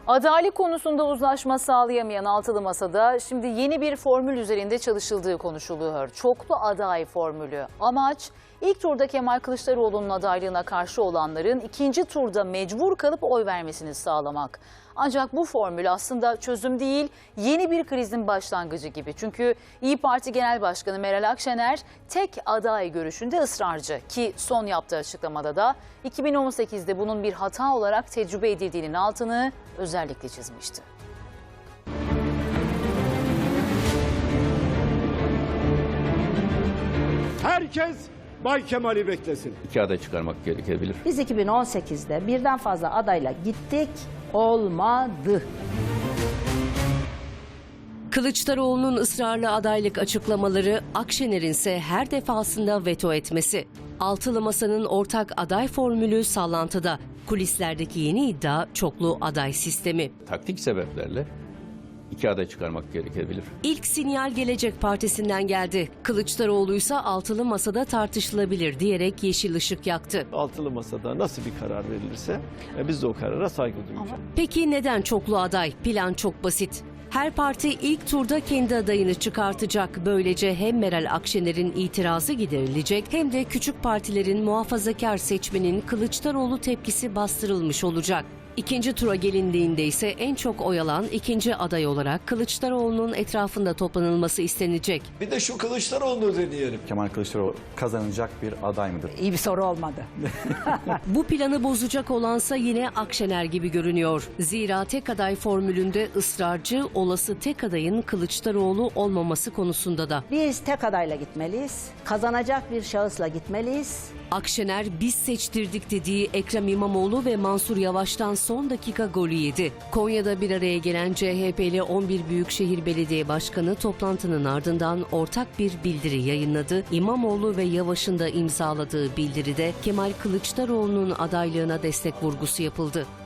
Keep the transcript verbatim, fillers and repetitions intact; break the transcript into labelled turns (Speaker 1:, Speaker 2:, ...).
Speaker 1: Adaylık konusunda uzlaşma sağlayamayan altılı masada şimdi yeni bir formül üzerinde çalışıldığı konuşuluyor. Çoklu aday formülü. Amaç ilk turda Kemal Kılıçdaroğlu'nun adaylığına karşı olanların ikinci turda mecbur kalıp oy vermesini sağlamak. Ancak bu formül aslında çözüm değil, yeni bir krizin başlangıcı gibi. Çünkü İYİ Parti Genel Başkanı Meral Akşener tek aday görüşünde ısrarcı ki son yaptığı açıklamada da iki bin on sekizde bunun bir hata olarak tecrübe edildiğinin altını özellikle çizmişti.
Speaker 2: Herkes Bay Kemal'i beklesin.
Speaker 3: İki aday çıkarmak gerekebilir.
Speaker 4: Biz iki bin on sekizde birden fazla adayla gittik, olmadı.
Speaker 5: Kılıçdaroğlu'nun ısrarlı adaylık açıklamaları, Akşener'in ise her defasında veto etmesi. Altılı Masa'nın ortak aday formülü sallantıda. Kulislerdeki yeni iddia çoklu aday sistemi.
Speaker 3: Taktik sebeplerle iki aday çıkarmak gerekebilir.
Speaker 5: İlk sinyal Gelecek Partisi'nden geldi. Kılıçdaroğlu ise altılı masada tartışılabilir diyerek yeşil ışık yaktı.
Speaker 6: Altılı masada nasıl bir karar verilirse biz de o karara saygı duyacağız.
Speaker 5: Peki neden çoklu aday? Plan çok basit. Her parti ilk turda kendi adayını çıkartacak. Böylece hem Meral Akşener'in itirazı giderilecek hem de küçük partilerin muhafazakar seçmenin Kılıçdaroğlu tepkisi bastırılmış olacak. İkinci tura gelindiğinde ise en çok oy alan ikinci aday olarak Kılıçdaroğlu'nun etrafında toplanılması istenecek.
Speaker 7: Bir de şu Kılıçdaroğlu'nu deneyelim.
Speaker 8: Kemal Kılıçdaroğlu kazanacak bir aday mıdır?
Speaker 4: İyi bir soru olmadı.
Speaker 5: Bu planı bozacak olansa yine Akşener gibi görünüyor. Zira tek aday formülünde ısrarcı, olası tek adayın Kılıçdaroğlu olmaması konusunda da.
Speaker 4: Biz tek adayla gitmeliyiz, kazanacak bir şahısla gitmeliyiz.
Speaker 5: Akşener biz seçtirdik dediği Ekrem İmamoğlu ve Mansur Yavaş'tan son dakika golü yedi. Konya'da bir araya gelen C H P'li on bir Büyükşehir Belediye Başkanı toplantının ardından ortak bir bildiri yayınladı. İmamoğlu ve Yavaş'ın da imzaladığı bildiride Kemal Kılıçdaroğlu'nun adaylığına destek vurgusu yapıldı.